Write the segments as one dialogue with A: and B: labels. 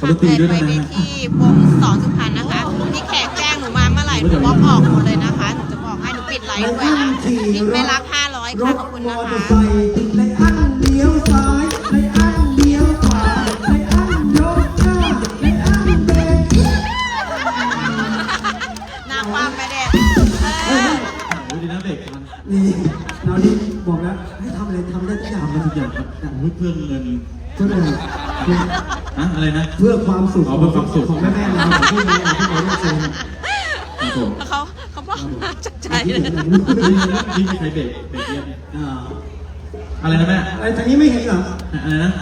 A: ค่ะแพนไปเวทีวงสอนสุพรรณนะคะพี่แขกแจ้งหนูมาเมื่อไหร่หนูบล็อกออกหมดเลยนะคะหนูจะบอกให้หนูปิดไลฟ์ด้วยนะปิดไม่รับ500ค่ะขอบคุณนะคะ
B: ในอันเลี้ยวซ้ายในอันเลี้ยวขวาในอันยกหน้าในอันเบรก
A: หน้าความไปเด็ด
C: ดูดีนะเด็กทัน
B: นี่เรานี่บอกแล้วให้ทำอะไรทำได้ทุกอย่าง
C: ทำทุกอย่างครับเพื่อเงิน
B: เพื่ออะไร
C: อะไรนะ
B: เพื่อความสุข
C: เพื่อความสุข
B: ของแม่ๆเราของพี่น้องที่เราได้เจอ
A: เขาบอกมาจากใจเลย
C: นี่มีใครเบรกเยี่ยมอะไรนะแม่
B: อะไรทางนี้ไม่เห็นเหรอ
C: อะไรนะ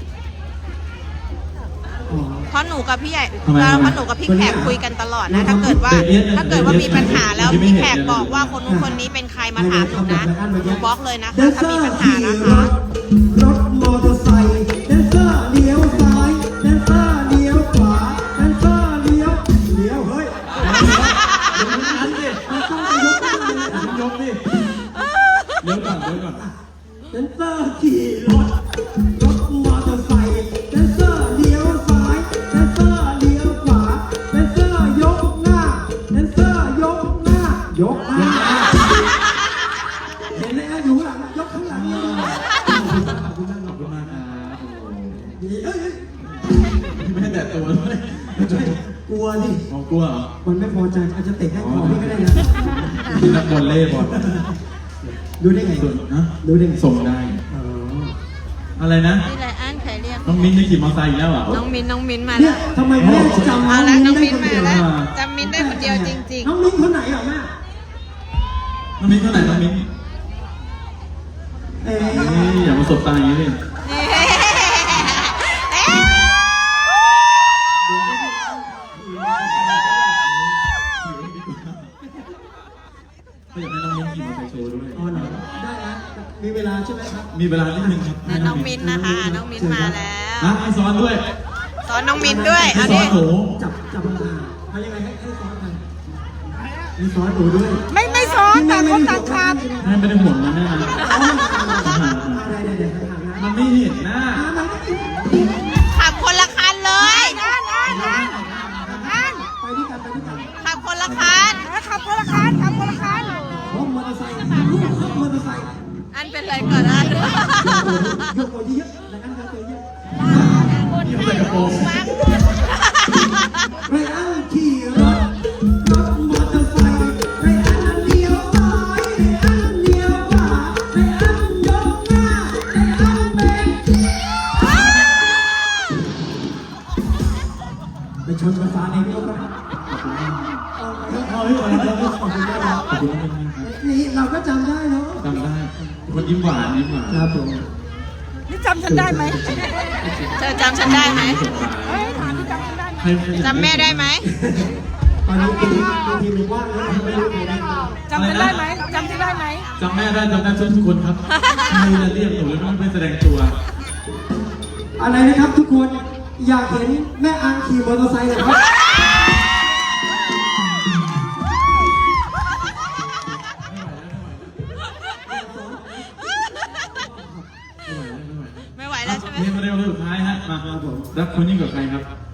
A: เพราะหนูกับพี่ใหญ่เพราะหนูกับพี่แขกคุยกันตลอดนะถ้าเกิดว่ามีปัญหาแล้วพี่แขกบอกว่าคนนู้นคนนี้เป็นใครมาถามหนูนะหนูบล็อกเลยนะคะถ้ามีปัญหานะคะ
B: รถมอเตอร์ไซค์แดนเซอร์เลี้ยวซ้ายแดนเซอร์เลี้ยวขวาแดนเซอร์เลี้ยวเฮ้ย
C: นั้นดิ
B: มันต้องยกขึ้นเลย
C: ยกดิเดี๋ยวก่อน
B: แดนเซอร์ขี่รถมอเตอร์ไซค์แดนเซอร์เลี้ยวซ้ายแดนเซอร์เลี้ยวขวาแดนเซอร์ยกหน้าแดนเซอร์ยกหน้ายกหน้าเห็นไหมฮะอยู่หลังยกข้างหลังนี่
C: ขอบคุณมากครับ
B: ดีเอ้ย
C: ไม่ให้แตะตัวด้วย
B: กลัวดิ
C: กลัวเหรอ
B: มันไม่พอใจอาจจะเตะให้คอพี่ก็ได้นะ
C: ที่นักบอลเล่บอล
B: ดูได้ไง
C: นะ
B: ดูได้ไง
C: ส่งได้
B: อ๋อ
C: อะไรนะ
A: พี่ไรอันใครเรียก
C: น้องมิ้นได้ขี่มอเตอร์ไซค์อีกแล้วเหรอ
A: น้องมินมา
B: เนี่
A: แล้
B: ยว ทำไมแม่จำ
A: เอาละน้องมิน
B: ได้
A: มา
B: คนเดียว
A: แล้วจำมินได้คนเดียวจริง
B: น้องมิ้นคนไหนอ่ะแม่
C: น้องมิ้นเท่าไหร่น้องมิ้น
B: เอ๊ะ
C: อย่ามาสบตาอย่างนี้ดิ ก็อยากให้น้องมิ้นขี่มอเตอร์ไซค์โชว์ด้วย
B: อ๋อเหรอได้นะมีเวลาใช่ไหมครับ
C: มีเวลานิดนึงครับ
A: ๆน้องมินนะคะน้องมินมาแล้ว
C: ให้ซ้อนด้วย
A: สอนน้องมินด้วย
C: ให้
A: เอา
C: ซ้อ
A: ดิ
C: นหนู
B: จับมาทำยังไงให้ซ้อนกันให้ซ้อนหนูด้วย
A: ไม่ซ้อนต่างคนต่างขาด
C: แม่ไม่ได้ห่วงนะแม่นะ
B: ได้ห่างนะ
C: มันไม่เห็นหน้า
A: ขับคนละคันเลย
B: ไปด้วยกัน
A: ขับคนละคัน
B: ขับมอเตอร์ไซค์ลูกขับมอเตอร์ไซค์
A: อันเป็นไรก่อนนะ
B: ยกตัวเยอะๆนะครับยกตัวเยอะ
C: นี่เขาใส่กระโปรง
B: ไรอันขี่รถมอเตอร์ไซค์ไรอันเลี้ยวซ้ายไรอันเลี้ยวขวาไรอันยกหน้าไรอันเบรกไปชนไฟฟ้าในพี่ครับนี่เราก็จำได้เนาะ
C: จำได้คนยิ้มหวาน
B: ครับผม
D: นี่จำฉันได้ไหม
A: เธอจำฉันได้ไหม จำแม่ได้ไหม
B: ตอนนี้ทีมว่างแล้วไม่รู้ใครได้
D: จำฉันได้ไหมจำฉันได้ไหม
C: จำแม่ได้ทุกคนครับใครจะเรียกหนูแล้วไม่แสดงตัว
B: อะไรนะครับทุกคนอยากเห็นแม่อังขี่มอเตอร์ไซค์เหรอครับ
A: ไม่ไหวแล้วใช่ไหม
C: นี่มาเร็วสุดท้ายฮะมาครับผมรักคนยิ่งกว่าใครครับ